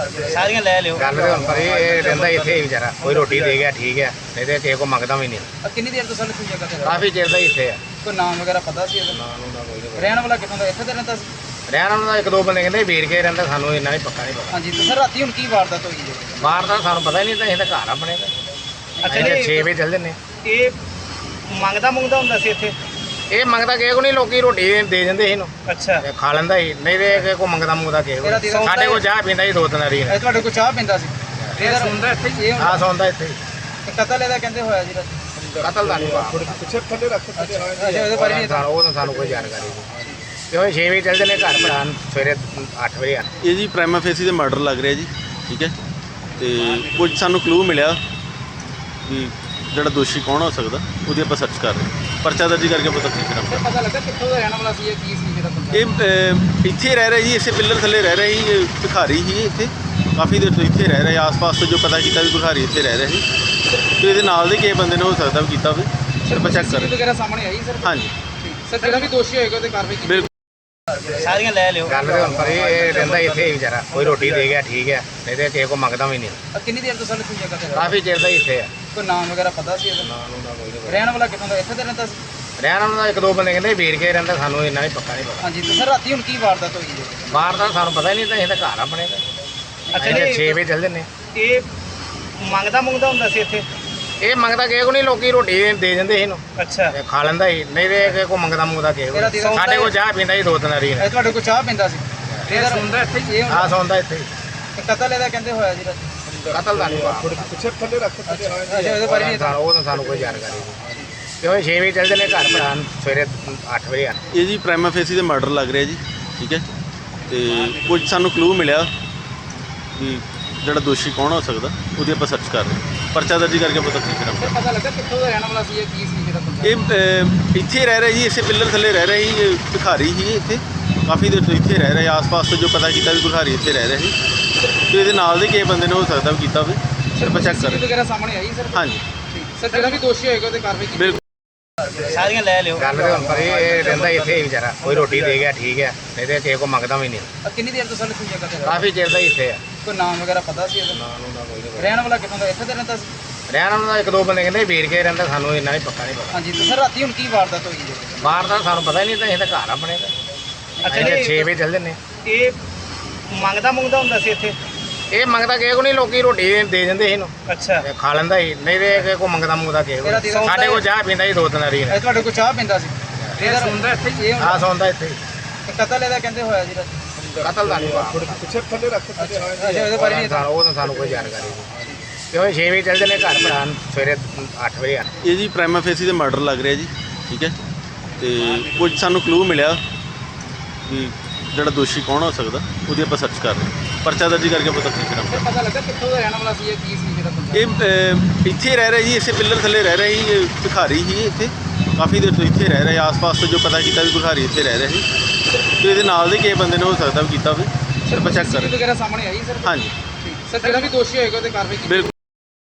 ਸਾਰੀਆਂ ਲੈ ਲਿਓ। ਗੱਲ ਤੇ ਹੁਣ ਪਰ ਇਹ ਰਹਿੰਦਾ ਇੱਥੇ ਹੀ ਵਿਚਾਰਾ, ਕੋਈ ਰੋਟੀ ਦੇ ਗਿਆ ਠੀਕ ਹੈ, ਨਹੀਂ ਤੇ ਕਿਸੇ ਕੋ ਮੰਗਦਾ ਵੀ ਨਹੀਂ। ਕਿੰਨੀ ਦੇਰ ਤੋਂ ਸਾਨੂੰ ਜਗ੍ਹਾ ਤੇ ਕਾਫੀ ਚਿਰ ਦਾ ਹੀ ਇੱਥੇ ਆ। ਕੋਈ ਨਾਮ ਵਗੈਰਾ ਪਤਾ ਸੀ ਇਹਦਾ? ਨਾ ਨੂੰ ਨਾ ਕੋਈ ਰਹਿਣ ਵਾਲਾ ਕਿੱਥੋਂ ਦਾ? ਇੱਥੇ ਤੇ ਰਹਿੰਦਾ ਸੀ? ਰਹਿਣ ਵਾਲਾ ਦਾ ਇੱਕ ਦੋ ਬੰਦੇ ਕਹਿੰਦੇ ਵੇਰ ਕੇ ਰਹਿੰਦਾ, ਸਾਨੂੰ ਇੰਨਾ ਨਹੀਂ ਪੱਕਾ ਨਹੀਂ ਪਤਾ। ਹਾਂਜੀ ਤੇ ਸਰ ਰਾਤੀ ਹੁਣ ਕੀ ਵਾਰਦਾਤ ਹੋਈ ਹੈ? ਬਾਹਰ ਦਾ ਸਾਨੂੰ ਪਤਾ ਹੀ ਨਹੀਂ, ਤਾਂ ਅਸੀਂ ਤਾਂ ਘਰ ਆਪਣੇ ਦਾ ਅੱਛਾ ਅਸੀਂ ਤਾਂ ਜੀ। 6 ਵਜੇ ਚੱਲ ਜੰਨੇ। ਇਹ ਮੰਗਦਾ ਹੁੰਦਾ ਸੀ ਇੱਥੇ? ਇਹ ਮੰਗਦਾ ਕਿਸੇ ਕੋ ਨਹੀਂ, ਲੋਕੀ ਰੋਟੀ ਦੇ ਜਾਂਦੇ ਸੀ ਇਹਨੂੰ, ਅੱਛਾ। ਤੇ ਖਾ ਲੈਂਦਾ ਸੀ, ਨਹੀਂ ਤੇ ਕਿਸੇ ਕੋ ਮੰਗਦਾ ਕਿਸੇ ਇਹਦਾ ਕੋਲ। ਸੌਂਦਾ ਸਾਡੇ ਕੋਲ ਚਾਹ ਪੀਂਦਾ ਸੀ 2 ਵਾਰੀ। ਇਹ ਤੁਹਾਡੇ ਕੋਲ ਚਾਹ ਪੀਂਦਾ ਸੀ? ਇਹ ਸੁਣਦਾ ਇੱਥੇ ਹੀ? ਆ ਸੌਂਦਾ ਇੱਥੇ ਹੀ। ਕਤਲ ਇਹਦਾ ਕਹਿੰਦੇ ਹੋਇਆ ਜੀ ਰਾਤੀ? ਕਤਲ ਦਾ ਨਹੀਂ ਪਿੱਛੇ ਥੱਲੇ ਰੱਖ ਥੱਲੇ ਅੱਛਾ ਉਹਦੇ ਬਾਰੇ ਨਹੀਂ ਉਹ ਤਾਂ ਸਾਨੂੰ ਕੋਈ ਜਾਣਕਾਰੀ ਨਹੀਂ। ਤੇ ਉਹ 6 ਵਜੇ ਚੱਲ ਜੰਨੇ ਘਰ, ਭਰਾ ਸਵੇਰੇ 8 ਵਜੇ ਆ। ਇਹ ਜੀ ਪ੍ਰਾਈਮਾ ਫੇਸੀ ਦੇ ਮਰਡਰ ਲੱਗ ਰਿਹਾ ਜੀ, ਠੀਕ ਹੈ। ਤੇ ਕੁਝ ਸਾਨੂੰ ਕਲੂ ਮਿਲਿਆ ਕਿ ਜਿਹੜਾ ਦੋਸ਼ੀ ਕੌਣ ਹੋ ਸਕਦਾ, ਉਹਦੀ ਆਪਾਂ ਸਰਚ ਕਰ ਰਹੇ ਹਾਂ। ਪਰਚਾ ਦਰਜ ਕਰਕੇ ਪਤਾ ਕੀ ਕਰਾਂਗੇ। ਪਤਾ ਲੱਗਾ ਕਿੱਥੋਂ ਦਾ ਰਹਿਣ ਵਾਲਾ ਸੀ ਇਹ? ਕੀ ਸੀ ਜਿਹੜਾ ਬੰਦਾ? ਇਹ ਇੱਥੇ ਰਹਿ ਰਿਹਾ ਜੀ, ਇਸੇ ਪਿੱਲਰ ਥੱਲੇ ਰਹਿ ਰਿਹਾ ਸੀ। ਇਹ ਭਿਖਾਰੀ ਸੀ ਇੱਥੇ, ਕਾਫੀ ਦੇਰ ਤੋਂ ਇੱਥੇ ਰਹਿ ਰਿਹਾ। ਆਸ-ਪਾਸ ਤੋਂ ਜੋ ਪਤਾ ਕੀਤਾ ਵੀ ਭਿਖਾਰੀ ਇੱਥੇ ਰਹਿ ਰਿਹਾ ਸੀ, ਤੇ ਇਹਦੇ ਨਾਲ ਦੇ ਕਿਸੇ ਬੰਦੇ ਨੇ ਹੋ ਸਕਦਾ ਵੀ ਕੀਤਾ ਹੋਵੇ। ਸਿਰ ਆਪਾਂ ਚੈੱਕ ਕਰ ਰਹੇ ਵਗੈਰਾ ਸਾਹਮਣੇ ਆਈ ਸਰ? ਹਾਂਜੀ ਸਰ ਜਿਹੜਾ ਵੀ ਦੋਸ਼ੀ ਹੋਏਗਾ ਉਹਦੇ ਕਾਰਵਾਈ ਕੀਤੀ? ਬਿਲਕੁਲ। ਸਾਰੀਆਂ ਲੈ ਲਿਓ। ਗੱਲ ਤੇ ਹੁਣ ਪਰ ਇਹ ਰਹਿੰਦਾ ਇੱਥੇ ਹੀ ਵਿਚਾਰਾ, ਕੋਈ ਰੋਟੀ ਦੇ ਗਿਆ ਠੀਕ ਹੈ, ਨਹੀਂ ਤੇ ਕਿਸੇ ਕੋ ਮੰਗਦਾ ਵੀ ਨਹੀਂ। ਕਿੰਨੀ ਦੇਰ ਤੋਂ ਸਾਨੂੰ ਜਗ੍ਹਾ ਤੇ ਕਾਫੀ ਚਿਰ ਦਾ ਹੀ ਇੱਥੇ ਆ। ਕੋਈ ਨਾਮ ਵਗੈਰਾ ਪਤਾ ਸੀ ਇਹਦਾ? ਨਾ ਨੂੰ ਨਾ ਕੋਈ ਰਹਿਣ ਵਾਲਾ ਕਿੱਥੋਂ ਦਾ? ਇੱਥੇ ਤੇ ਰਹਿੰਦਾ ਸੀ? ਰਹਿਣ ਵਾਲਾ ਦਾ ਇੱਕ ਦੋ ਬੰਦੇ ਕਹਿੰਦੇ ਵੇਰ ਕੇ ਰਹਿੰਦਾ, ਸਾਨੂੰ ਇੰਨਾ ਨਹੀਂ ਪੱਕਾ ਨਹੀਂ ਪਤਾ। ਹਾਂਜੀ ਤੇ ਸਰ ਰਾਤੀ ਹੁਣ ਕੀ ਵਾਰਦਾਤ ਹੋਈ ਹੈ? ਬਾਹਰ ਦਾ ਸਾਨੂੰ ਪਤਾ ਹੀ ਨਹੀਂ, ਤਾਂ ਅਸੀਂ ਤਾਂ ਘਰ ਆਪਣੇ ਦਾ ਅੱਛਾ ਅਸੀਂ ਤਾਂ ਜੀ। 6 ਵਜੇ ਚੱਲ ਜੰਨੇ। ਇਹ ਮੰਗਦਾ ਹੁੰਦਾ ਸੀ ਇੱਥੇ? ਇਹ ਮੰਗਦਾ ਕਿਸੇ ਕੋ ਨਹੀਂ, ਲੋਕੀ ਰੋਟੀ ਦੇ ਜਾਂਦੇ ਸੀ ਇਹਨੂੰ, ਅੱਛਾ। ਤੇ ਖਾ ਲੈਂਦਾ ਸੀ, ਨਹੀਂ ਤੇ ਕਿਸੇ ਕੋ ਮੰਗਦਾ ਕਿਸੇ ਕੋਲ। ਸਾਡੇ ਕੋਲ ਚਾਹ ਪੀਂਦਾ ਸੀ 2 ਵਾਰੀ। ਇਹ ਤੁਹਾਡੇ ਕੋਲ ਚਾਹ ਪੀਂਦਾ ਸੀ? ਇਹ ਸੁਣਦਾ ਇੱਥੇ ਹੀ? ਆ ਸੌਂਦਾ ਇੱਥੇ ਹੀ। ਕਤਲ ਇਹਦਾ ਕਹਿੰਦੇ ਹੋਇਆ ਜੀ ਰਾਤੀ? ਕਤਲ ਦਾ ਨਹੀਂ ਪਿੱਛੇ ਥੱਲੇ ਰੱਖ ਥੱਲੇ ਅੱਛਾ ਉਹਦੇ ਬਾਰੇ ਨਹੀਂ ਉਹ ਤਾਂ ਸਾਨੂੰ ਕੋਈ ਜਾਣਕਾਰੀ ਨਹੀਂ। ਤੇ ਉਹ 6 ਵਜੇ ਚੱਲ ਜੰਨੇ ਘਰ, ਭਰਾ ਸਵੇਰੇ 8 ਵਜੇ ਆ। ਇਹ ਜੀ ਪ੍ਰਾਈਮਾ ਫੇਸੀ ਦੇ ਮਰਡਰ ਲੱਗ ਰਿਹਾ ਜੀ, ਠੀਕ ਹੈ। ਤੇ ਕੁਝ ਸਾਨੂੰ ਕਲੂ ਮਿਲਿਆ ਕਿ ਜਿਹੜਾ ਦੋਸ਼ੀ ਕੌਣ ਹੋ ਸਕਦਾ, ਉਹਦੀ ਆਪਾਂ ਸਰਚ ਕਰ ਰਹੇ ਹਾਂ। ਪਰਚਾ ਦਰਜ ਕਰਕੇ ਪਤਾ ਕੀ ਕਰਾਂਗੇ। ਪਤਾ ਲੱਗਾ ਕਿੱਥੋਂ ਦਾ ਰਹਿਣ ਵਾਲਾ ਸੀ ਇਹ? ਕੀ ਸੀ ਜਿਹੜਾ ਬੰਦਾ? ਇਹ ਇੱਥੇ ਰਹਿ ਰਿਹਾ ਜੀ, ਇਸੇ ਪਿੱਲਰ ਥੱਲੇ ਰਹਿ ਰਿਹਾ ਸੀ। ਇਹ ਭਿਖਾਰੀ ਸੀ ਇੱਥੇ, ਕਾਫੀ ਦੇਰ ਤੋਂ ਇੱਥੇ ਰਹਿ ਰਿਹਾ। ਆਸ-ਪਾਸ ਤੋਂ ਜੋ ਪਤਾ ਕੀਤਾ ਵੀ ਭਿਖਾਰੀ ਇੱਥੇ ਰਹਿ ਰਿਹਾ ਸੀ, ਤੇ ਇਹਦੇ ਨਾਲ ਦੇ ਕਿਸੇ ਬੰਦੇ ਨੇ ਹੋ ਸਕਦਾ ਵੀ ਕੀਤਾ ਹੋਵੇ। ਸਿਰ ਆਪਾਂ ਚੈੱਕ ਕਰ ਰਹੇ ਵਗੈਰਾ ਸਾਹਮਣੇ ਆਈ ਸਰ? ਹਾਂ। ਹਾਂਜੀ ਸਰ ਜਿਹੜਾ ਵੀ ਦੋਸ਼ੀ ਹੋਏਗਾ ਉਹਦੇ ਕਾਰਵਾਈ ਕੀਤੀ? ਬਿਲਕੁਲ। ਸਾਰੀਆਂ ਲੈ ਲਿਓ। ਗੱਲ ਤੇ ਹੁਣ ਪਰ ਇਹ ਰਹਿੰਦਾ ਇੱਥੇ ਹੀ ਵਿਚਾਰਾ, ਕੋਈ ਰੋਟੀ ਦੇ ਗਿਆ ਠੀਕ ਹੈ, ਨਹੀਂ ਤੇ ਕਿਸੇ ਕੋ ਮੰਗਦਾ ਵੀ ਨਹੀਂ। ਕਿੰਨੀ ਦੇਰ ਤੋਂ ਸਾਨੂੰ ਜਗ੍ਹਾ ਤੇ ਕਾਫੀ ਚਿਰ ਦਾ ਹੀ ਇੱਥੇ ਆ। ਕੋਈ ਨਾਮ ਵਗੈਰਾ ਪਤਾ ਸੀ ਇਹਦਾ? ਨਾ ਨੂੰ ਨਾ ਕੋਈ ਰਹਿਣ ਵਾਲਾ ਕਿੱਥੋਂ ਦਾ? ਇੱਥੇ ਤੇ ਰਹਿੰਦਾ ਸੀ? ਰਹਿਣ ਵਾਲਾ ਦਾ ਇੱਕ ਦੋ ਬੰਦੇ ਕਹਿੰਦੇ ਵੇਰ ਕੇ ਰਹਿੰਦਾ, ਸਾਨੂੰ ਇੰਨਾ ਨਹੀਂ ਪੱਕਾ ਨਹੀਂ ਪਤਾ। ਹਾਂਜੀ ਤੇ ਸਰ ਰਾਤੀ ਹੁਣ ਕੀ ਵਾਰਦਾਤ ਹੋਈ ਹੈ? ਬਾਹਰ ਦਾ ਸਾਨੂੰ ਪਤਾ ਹੀ ਨਹੀਂ, ਤਾਂ ਅਸੀਂ ਤਾਂ ਘਰ ਆਪਣੇ ਦਾ ਅੱਛਾ ਅਸੀਂ ਤਾਂ ਜੀ। 6 ਵਜੇ ਚੱਲ ਜੰਨੇ। ਇਹ ਮੰਗਦਾ ਹੁੰਦਾ ਸੀ ਇੱਥੇ? ਇਹ ਮੰਗਦਾ ਕਿਸੇ ਕੋ ਨਹੀਂ, ਲੋਕੀ ਰੋਟੀ ਦੇ ਜਾਂਦੇ ਸੀ ਇਹਨੂੰ, ਅੱਛਾ। ਤੇ ਖਾ ਲੈਂਦਾ ਸੀ, ਨਹੀਂ ਤੇ ਕਿਸੇ ਕੋ ਮੰਗਦਾ ਕਿਸੇ ਕੋਲ। ਸਾਡੇ ਕੋਲ ਚਾਹ ਪੀਂਦਾ ਸੀ 2 ਵਾਰੀ। ਇਹ ਤੁਹਾਡੇ ਕੋਲ ਚਾਹ ਪੀਂਦਾ ਸੀ? ਇਹ ਸੁਣਦਾ ਇੱਥੇ ਹੀ? ਆ ਸੌਂਦਾ ਇੱਥੇ ਹੀ। ਕਤਲ ਇਹਦਾ ਕਹਿੰਦੇ ਹੋਇਆ ਜੀ ਰਾਤੀ? ਕਤਲ ਦਾ ਨਹੀਂ ਪਿੱਛੇ ਥੱਲੇ ਰੱਖ ਥੱਲੇ ਅੱਛਾ ਉਹਦੇ ਬਾਰੇ ਨਹੀਂ ਉਹ ਤਾਂ ਸਾਨੂੰ ਕੋਈ ਜਾਣਕਾਰੀ ਨਹੀਂ। ਤੇ ਉਹ 6 ਵਜੇ ਚੱਲ ਜੰਨੇ ਘਰ, ਭਰਾ ਸਵੇਰੇ 8 ਵਜੇ ਆ। ਇਹ ਜੀ ਪ੍ਰਾਈਮਾ ਫੇਸੀ ਦੇ ਮਰਡਰ ਲੱਗ ਰਿਹਾ ਜੀ, ਠੀਕ ਹੈ। ਤੇ ਕੁਝ ਸਾਨੂੰ ਕਲੂ ਮਿਲਿਆ ਕਿ ਜਿਹੜਾ ਦੋਸ਼ੀ ਕੌਣ ਹੋ ਸਕਦਾ, ਉਹਦੀ ਆਪਾਂ ਸਰਚ ਕਰ ਰਹੇ ਹਾਂ। ਪਰਚਾ ਦਰਜ ਕਰਕੇ ਪਤਾ ਕੀ ਕਰਾਂਗੇ। ਪਤਾ ਲੱਗਾ ਕਿੱਥੋਂ ਦਾ ਰਹਿਣ ਵਾਲਾ ਸੀ ਇਹ? ਕੀ ਸੀ ਜਿਹੜਾ ਬੰਦਾ? ਇਹ ਇੱਥੇ ਰਹਿ ਰਿਹਾ ਜੀ, ਇਸੇ ਪਿੱਲਰ ਥੱਲੇ ਰਹਿ ਰਿਹਾ ਸੀ। ਇਹ ਭਿਖਾਰੀ ਸੀ ਇੱਥੇ, ਕਾਫੀ ਦੇਰ ਤੋਂ ਇੱਥੇ ਰਹਿ ਰਿਹਾ। ਆਸ-ਪਾਸ ਤੋਂ ਜੋ ਪਤਾ ਕੀਤਾ ਵੀ ਭਿਖਾਰੀ ਇੱਥੇ ਰਹਿ ਰਿਹਾ ਸੀ, ਤੇ ਇਹਦੇ ਨਾਲ ਦੇ ਕਿਸੇ ਬੰਦੇ ਨੇ ਹੋ ਸਕਦਾ ਵੀ ਕੀਤਾ ਹੋਵੇ। ਸਿਰ ਆਪਾਂ ਚੈੱਕ ਕਰ ਰਹੇ ਵਗੈਰਾ ਸਾਹਮਣੇ ਆਈ ਸਰ? ਹਾਂ। ਹਾਂਜੀ ਸਰ ਜਿਹੜਾ ਵੀ ਦੋਸ਼ੀ ਹੋਏਗਾ ਉਹਦੇ ਕਾਰਵਾਈ ਕੀਤੀ? ਬਿਲਕੁਲ।